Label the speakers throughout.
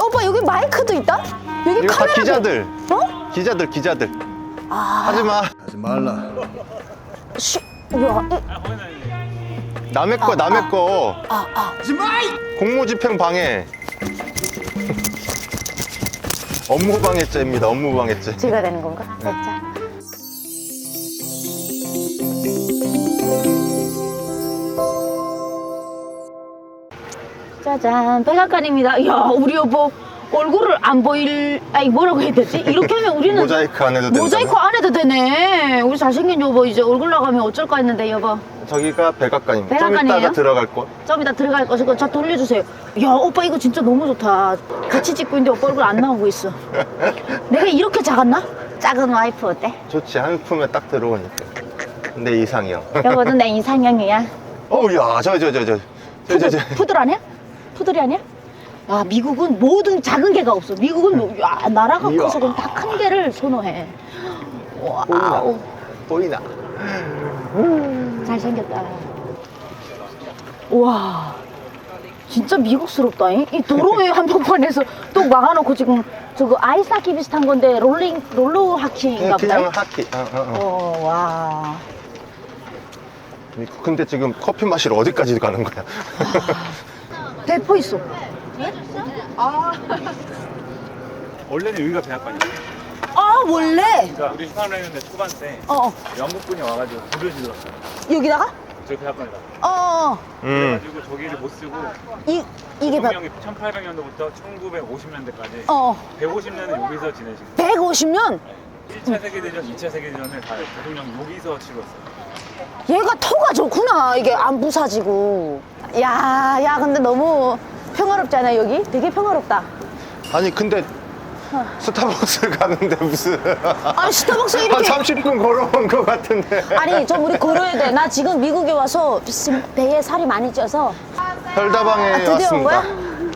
Speaker 1: 오빠 여기 마이크도 있다? 여기
Speaker 2: 이거 다
Speaker 1: 카메라도.
Speaker 2: 기자들.
Speaker 1: 어?
Speaker 2: 기자들.
Speaker 1: 아.
Speaker 2: 하지마.
Speaker 3: 하지 말라.
Speaker 1: 씨. 우와.
Speaker 2: 남의 거. 공무집행 방해. 업무방해죄입니다. 업무방해죄.
Speaker 1: 제가 되는 건가? 살짝. 짜잔, 백악관입니다. 야, 우리 여보 얼굴을 안 보일, 아니 뭐라고 해야 되지? 이렇게 하면 우리는
Speaker 2: 모자이크 안 해도 된다.
Speaker 1: 모자이크 안 해도 되네. 우리 잘생긴 여보 이제 얼굴 나가면 어쩔까 했는데 여보.
Speaker 2: 저기가 백악관입니다. 좀
Speaker 1: 백악관이에요?
Speaker 2: 이따가 들어갈 곳.
Speaker 1: 좀 이따 들어갈 것이고 저 돌려주세요. 야, 오빠 이거 진짜 너무 좋다. 같이 찍고 있는데 오빠 얼굴 안 나오고 있어. 내가 이렇게 작았나? 작은 와이프 어때?
Speaker 2: 좋지. 한 품에 딱 들어오니까. 내 이상형.
Speaker 1: 여보도 내 이상형이야.
Speaker 2: 어우야, 저.
Speaker 1: 푸들 아니야? 푸들이 아니야? 야, 미국은 모든 작은 개가 없어. 미국은 야, 나라가
Speaker 2: 이야.
Speaker 1: 커서 다 큰 개를 선호해. 와우.
Speaker 2: 보이나?
Speaker 1: 잘생겼다. 와, 진짜 미국스럽다. 이 도로의 한복판에서 또 막아놓고 지금 저거 아이스하키 비슷한 건데 롤러 하키인가 보다.
Speaker 2: 그냥 하키.
Speaker 1: 와.
Speaker 2: 근데 지금 커피 마시러 어디까지 가는 거야?
Speaker 1: 대포 있어.
Speaker 4: 원래는 여기가 백악관이에요.
Speaker 1: 아, 원래?
Speaker 4: 그러니까 우리 휴방했는데 초반 때
Speaker 1: 어,
Speaker 4: 영국분이 와가지고 불을 질렀어요.
Speaker 1: 여기다가?
Speaker 4: 저희 백악관에다.
Speaker 1: 어,
Speaker 4: 그래가지고 저기를 못 쓰고
Speaker 1: 이게 봐.
Speaker 4: 대통령이 1800년도부터 1950년대까지
Speaker 1: 어,
Speaker 4: 150년은 여기서 지내시고
Speaker 1: 150년?
Speaker 4: 1차 세계대전, 2차 세계대전을 다 대통령 여기서 치렀어요.
Speaker 1: 얘가 터가 좋구나. 이게 안 부사지고. 야, 근데 너무 평화롭지 않아, 여기? 되게 평화롭다.
Speaker 2: 아니 근데 스타벅스 가는데 무슨
Speaker 1: 아니, 스타벅스
Speaker 2: 한
Speaker 1: 이렇게.
Speaker 2: 30분 걸어온 것 같은데.
Speaker 1: 아니, 좀 우리 걸어야 돼. 나 지금 미국에 와서 지금 배에 살이 많이 쪄서.
Speaker 2: 별다방에
Speaker 1: 드디어 온
Speaker 2: 왔습니다.
Speaker 1: 거야?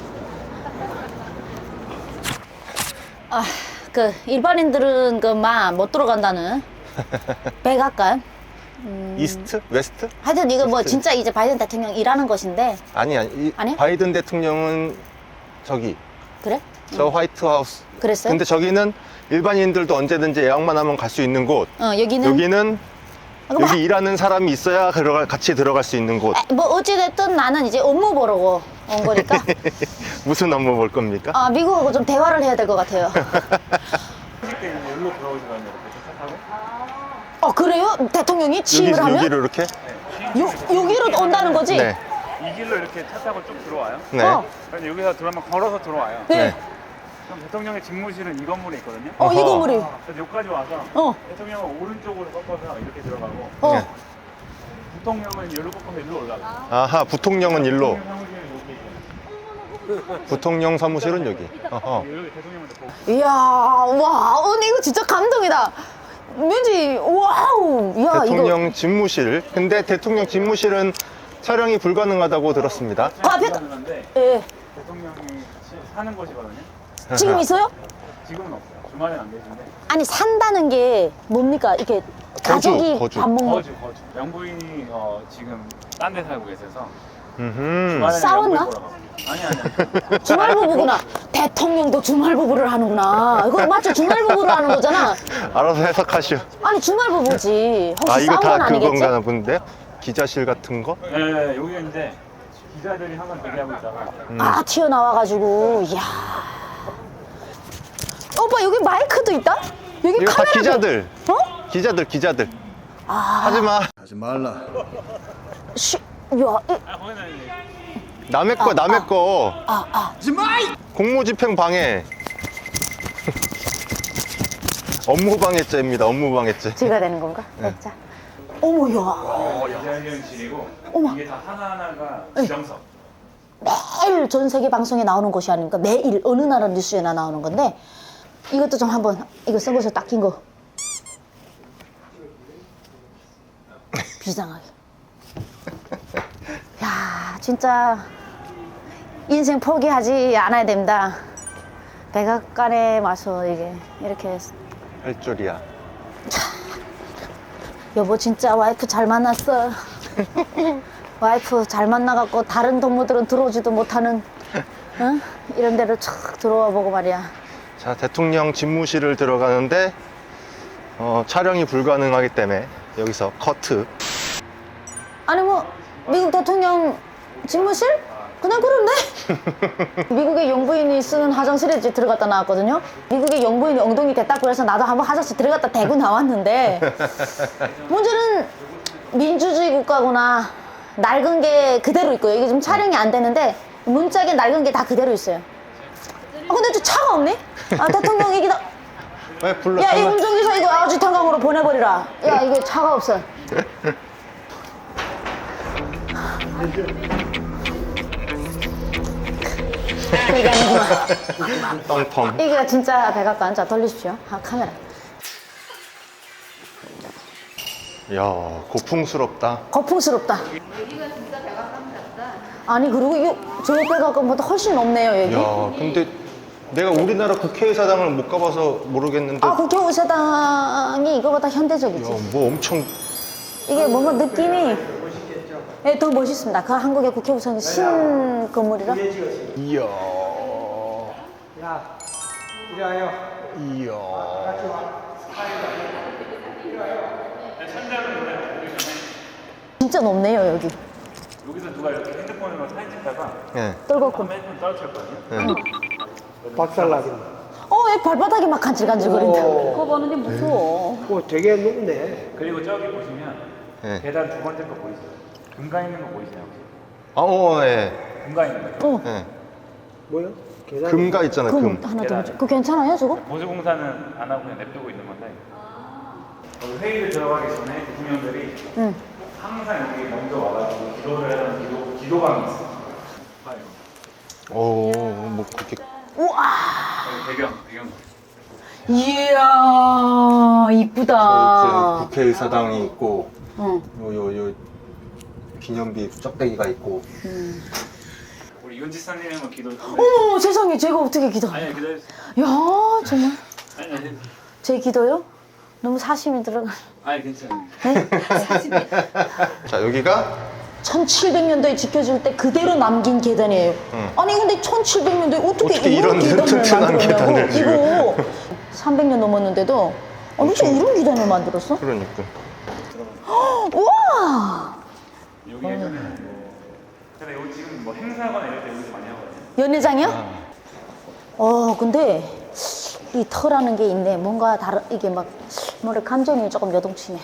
Speaker 1: 그 일반인들은 그만 못 들어간다는 백악관.
Speaker 2: 이스트? 웨스트?
Speaker 1: 하여튼 이거 뭐
Speaker 2: 웨스트.
Speaker 1: 진짜 이제 바이든 대통령 일하는 것인데.
Speaker 2: 아니.
Speaker 1: 아니야?
Speaker 2: 바이든 대통령은 저기
Speaker 1: 그래?
Speaker 2: 저 화이트하우스.
Speaker 1: 그랬어요?
Speaker 2: 근데 저기는 일반인들도 언제든지 예약만 하면 갈 수 있는 곳.
Speaker 1: 여기는
Speaker 2: 여기는
Speaker 1: 뭐,
Speaker 2: 여기 일하는 사람이 있어야 같이 들어갈 수 있는 곳.
Speaker 1: 뭐 어찌됐든 나는 이제 업무 보러 온 거니까.
Speaker 2: 무슨 업무 볼 겁니까?
Speaker 1: 아, 미국하고 좀 대화를 해야 될 것 같아요.
Speaker 4: 그때 이제 여기로 들어오시거든요. 이렇게 차 타고.
Speaker 1: 그래요? 대통령이 취임을 하면?
Speaker 2: 여기로 이렇게?
Speaker 1: 여기로 온다는 거지?
Speaker 2: 네.
Speaker 4: 이 길로 이렇게 차 타고 쭉 들어와요.
Speaker 2: 네.
Speaker 4: 그런데 여기서 들어오면 걸어서 들어와요.
Speaker 1: 네.
Speaker 4: 그럼 대통령의 집무실은 이 건물에 있거든요.
Speaker 1: 이
Speaker 2: 어허.
Speaker 1: 건물이.
Speaker 4: 그래서 여기까지 와서
Speaker 1: 어.
Speaker 4: 대통령은 오른쪽으로 꺾어서 이렇게 들어가고
Speaker 2: 네.
Speaker 4: 부통령은 여기로 꺾어서 일로 올라가요.
Speaker 2: 아하, 부통령은 일로.
Speaker 4: 사무실은 여기.
Speaker 2: 부통령 사무실은 여기. 어허.
Speaker 4: 여기 대통령한테 보고.
Speaker 1: 이야, 와, 언니 이거 진짜 감동이다. 왠지, 와우. 야,
Speaker 2: 대통령 집무실. 근데 대통령 집무실은 촬영이 불가능하다고 들었습니다.
Speaker 1: 이거. 앞에,
Speaker 4: 가능한데
Speaker 1: 예.
Speaker 4: 대통령이 같이 사는 곳이거든요.
Speaker 1: 지금 있어요?
Speaker 4: 지금은 없어요. 주말엔 안 계신데.
Speaker 1: 아니, 산다는 게 뭡니까? 이렇게 가족이
Speaker 2: 거주.
Speaker 1: 밥 먹는.
Speaker 4: 거주. 영부인이 지금 딴 데 살고 계셔서
Speaker 2: 음흠.
Speaker 4: 주말에는
Speaker 1: 싸웠나?
Speaker 4: 영부인 보러 가고. 아니.
Speaker 1: 주말 부부구나. 대통령도 주말 부부를 하는구나. 이거 맞죠? 주말 부부를 하는 거잖아.
Speaker 2: 알아서 해석하시오.
Speaker 1: 아니, 주말 부부지. 혹시
Speaker 2: 이거
Speaker 1: 싸운 건
Speaker 2: 다
Speaker 1: 아니겠지?
Speaker 2: 그건가 본데? 기자실 같은 거?
Speaker 4: 네, 여기가 이제 기자들이 항상 대기하고 있다가
Speaker 1: 튀어나와가지고. 이야. 오빠, 여기 마이크도 있다? 여기
Speaker 2: 이거 다
Speaker 1: 카메라도.
Speaker 2: 기자들.
Speaker 1: 어?
Speaker 2: 기자들. 하지마.
Speaker 3: 하지 말라.
Speaker 1: 씨, 야,
Speaker 4: 거기는 이제
Speaker 2: 남의 거.
Speaker 3: 하지 마.
Speaker 2: 공무집행 방해. 업무방해죄입니다. 업무방해죄.
Speaker 1: 제가 되는 건가? 살짝. 어머, 야.
Speaker 4: 기자회견실이고
Speaker 1: 어머.
Speaker 4: 이게 다 하나하나가 지정석.
Speaker 1: 매일 전 세계 방송에 나오는 곳이 아닙니까? 매일 어느 나라 뉴스에나 나오는 건데 이것도 좀 한번 이거 써보세요. 딱 낀 거. 비상하게. 야, 진짜 인생 포기하지 않아야 됩니다. 백악관에 와서 이게 이렇게
Speaker 2: 할 줄이야.
Speaker 1: 여보 진짜 와이프 잘 만났어. 와이프 잘 만나갖고 다른 동무들은 들어오지도 못하는 응? 이런 데로 촥 들어와 보고 말이야.
Speaker 2: 자, 대통령 집무실을 들어가는데 촬영이 불가능하기 때문에 여기서 커트.
Speaker 1: 아니 뭐 미국 대통령 집무실? 그냥 그런데? 미국의 영부인이 쓰는 화장실에 이제 들어갔다 나왔거든요. 미국의 영부인이 엉덩이 됐다고 해서 나도 한번 화장실 들어갔다 대고 나왔는데 문제는 민주주의 국가구나. 낡은 게 그대로 있고요. 이게 좀 촬영이 안 되는데 문짝에 낡은 게 다 그대로 있어요. 근데 저 차가 없네? 대통령 얘기다.
Speaker 2: 왜 불러?
Speaker 1: 야, 이 운전기사 이거 아주 탄강으로 보내버리라. 야, 이거 차가 없어. 그게 아니구나.
Speaker 2: 똥통.
Speaker 1: 이게 진짜 백악관. 자, 돌리십시오. 카메라.
Speaker 2: 이야, 고풍스럽다.
Speaker 1: 거풍스럽다. 아니, 그리고 이거 저 백악관보다 훨씬 높네요, 여기.
Speaker 2: 야, 근데 내가 우리나라 국회의사당을 못 가봐서 모르겠는데.
Speaker 1: 국회의사당이 이거보다 현대적이지.
Speaker 2: 야, 뭐 엄청.
Speaker 1: 이게 뭔가 느낌이 더 멋있습니다. 그 한국의 국회의사당 신 건물이라.
Speaker 2: 이야.
Speaker 4: 야, 이리 와요.
Speaker 2: 이야.
Speaker 1: 진짜 높네요, 여기.
Speaker 4: 여기서 누가 이렇게 핸드폰으로 사진 찍다가
Speaker 2: 예.
Speaker 1: 떨궜군.
Speaker 4: 핸드폰 떨어뜨렸거든요.
Speaker 3: 박살나겠네.
Speaker 1: 왜 발바닥이 막 간질간질거린다.
Speaker 3: 오.
Speaker 1: 그거 보는데 무서워.
Speaker 3: 오, 되게 높네.
Speaker 4: 그리고 저기 보시면
Speaker 2: 예.
Speaker 4: 계단 두 번째 거 보이세요? 금가 있는 거 보이세요?
Speaker 2: 예.
Speaker 4: 금가 있는 거.
Speaker 2: 예.
Speaker 3: 뭐요? 계단.
Speaker 2: 금가 있잖아요,
Speaker 1: 그럼
Speaker 2: 금.
Speaker 1: 하나 더 보죠. 그거 괜찮아요, 저거?
Speaker 4: 보수공사는 안 하고 그냥 냅두고 있는 건데 여기 회의를 들어가기 전에 대통령들이
Speaker 1: 응.
Speaker 4: 항상 여기 먼저 와가지고 기도를 하는 기도방이 있어요. 봐, 이거.
Speaker 2: 뭐 그렇게.
Speaker 1: 우와.
Speaker 4: 여기 배경.
Speaker 1: 이야, 이쁘다.
Speaker 2: 국회의사당이 있고,
Speaker 1: 응.
Speaker 2: 요 기념비 쩍대기가 있고.
Speaker 4: 우리 이은지 선생님은 기도.
Speaker 1: 어머, 세상에, 제가 어떻게 기도?
Speaker 4: 아니 기다려주세요.
Speaker 1: 야, 정말.
Speaker 4: 아니.
Speaker 1: 제 기도요? 너무 사심이 들어가.
Speaker 4: 아니 괜찮아요.
Speaker 2: 자, 여기가
Speaker 1: 1700년도에 지켜줄 때 그대로 남긴 계단이에요. 아니 근데 1700년도에 어떻게 이런 계단을
Speaker 2: 튼튼한 계단을
Speaker 1: 만들었냐고.
Speaker 2: 지금.
Speaker 1: 이거 300년 넘었는데도 어떻게 이런 계단을 만들었어?
Speaker 2: 그러니까.
Speaker 1: 우와!
Speaker 4: 여기 예전에 근데 여기 지금 뭐 행사거나 이럴 때 여기서 많이 하거든요.
Speaker 1: 연회장이요? 근데 이 터라는 게 있네. 뭔가 다른 이게 막 뭐래 감정이 조금 요동치네.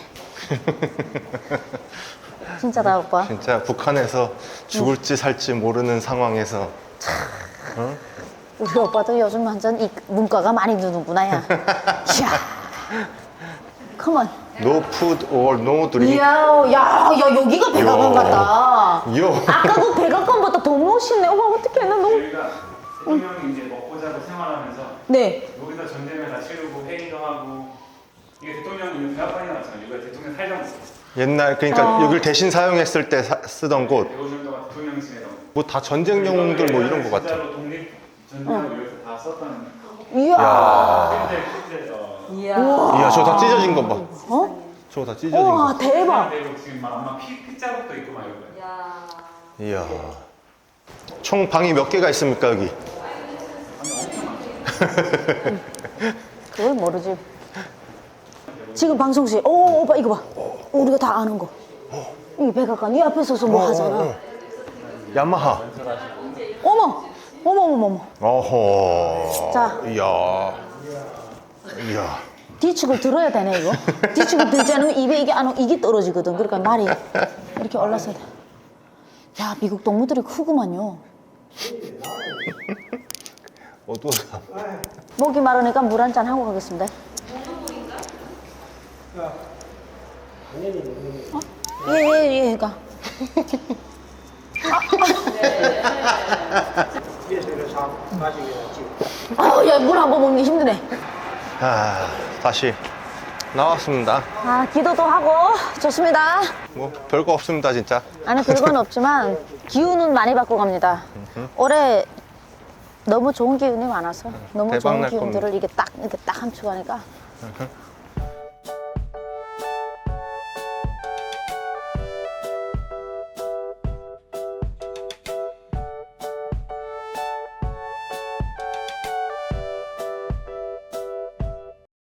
Speaker 1: 진짜다 오빠.
Speaker 2: 진짜 북한에서 죽을지 살지 모르는 상황에서
Speaker 1: 우리 오빠도 요즘 완전 이 문과가 많이 드는구나 야. 이야. 컴온.
Speaker 2: no food or no drink.
Speaker 1: 야, 여기가 백악관 같다.
Speaker 2: 요.
Speaker 1: 아까 그 백악관보다 더 멋있네. 어머, 어떡해. 나 너무.
Speaker 4: 저희가 대통령이 이제 먹고 자고 생활하면서
Speaker 1: 네.
Speaker 4: 여기서 전쟁을 다 치르고 회의도 하고 이게 대통령이 대학관이 나왔잖아요. 여기가 대통령 살던 곳.
Speaker 2: 옛날 그러니까 여기를 대신 사용했을 때 쓰던 곳.
Speaker 4: 150년 동안 대통령실에서
Speaker 2: 뭐 다 전쟁 영웅들 뭐 이런 거 같아.
Speaker 4: 진짜로 독립 전쟁을 여기서 다 썼다는
Speaker 1: 이야.
Speaker 4: 실제
Speaker 2: 이야, 저거 다 찢어진 거 봐.
Speaker 1: 어?
Speaker 2: 저거 다 찢어진
Speaker 1: 우와,
Speaker 2: 거.
Speaker 1: 대박.
Speaker 4: 그리고 지금 막 아마 피자국도 있고 막 이런
Speaker 2: 이야. 총 방이 몇 개가 있습니까, 여기?
Speaker 1: 그걸 모르지. 지금 방송 시에, 오빠 이거 봐. 우리가 다 아는 거. 이 백악관 이 앞에 서서 뭐 하잖아.
Speaker 2: 야마하.
Speaker 1: 어머.
Speaker 2: 어허.
Speaker 1: 자.
Speaker 2: 이야.
Speaker 1: 뒤축을 들어야 되네 이거. 뒤축을 들지 않으면 입에 이게 떨어지거든. 그러니까 말이 이렇게 올라서야 돼. 야, 미국 동무들이 크구만요.
Speaker 2: 또
Speaker 1: 목이 마르니까 물 한 잔 하고 가겠습니다. 예, 가. 야, 물 한 번 먹는 게 힘드네.
Speaker 2: 다시 나왔습니다.
Speaker 1: 기도도 하고 좋습니다.
Speaker 2: 뭐 별거 없습니다, 진짜.
Speaker 1: 아니, 별건 없지만 기운은 많이 받고 갑니다. 올해 너무 좋은 기운이 많아서 너무
Speaker 2: 대박
Speaker 1: 좋은
Speaker 2: 날
Speaker 1: 기운들을
Speaker 2: 겁니다.
Speaker 1: 이렇게 딱 함축하니까